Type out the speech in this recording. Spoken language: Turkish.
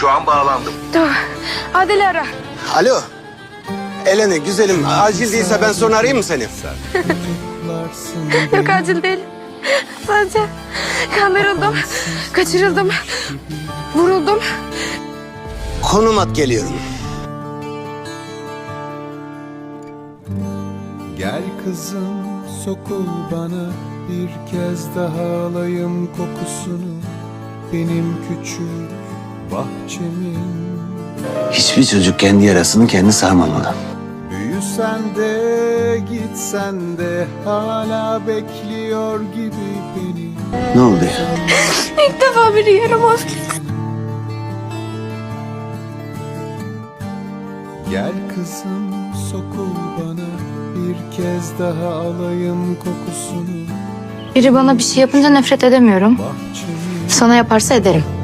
Şu an bağlandım. Tamam. Adil'i ara. Alo. Eleni güzelim, acil değilse ben sonra arayayım mı seni? Yok acil değil. Sadece kandırıldım, kaçırıldım, vuruldum. Konum at, geliyorum. Gel kızım sokul bana, bir kez daha alayım kokusunu, benim küçük bahçemin. Hiçbir çocuk kendi yarasını kendi sarmamalı. Büyüsen de gitsen de hala bekliyor gibi beni. Ne oldu ya? İlk defa biri yaramaz. Gel kızım sokul bana, bir kez daha alayım kokusunu, Biri bana bir şey yapınca nefret edemiyorum. bahçemin. Sana yaparsa ederim.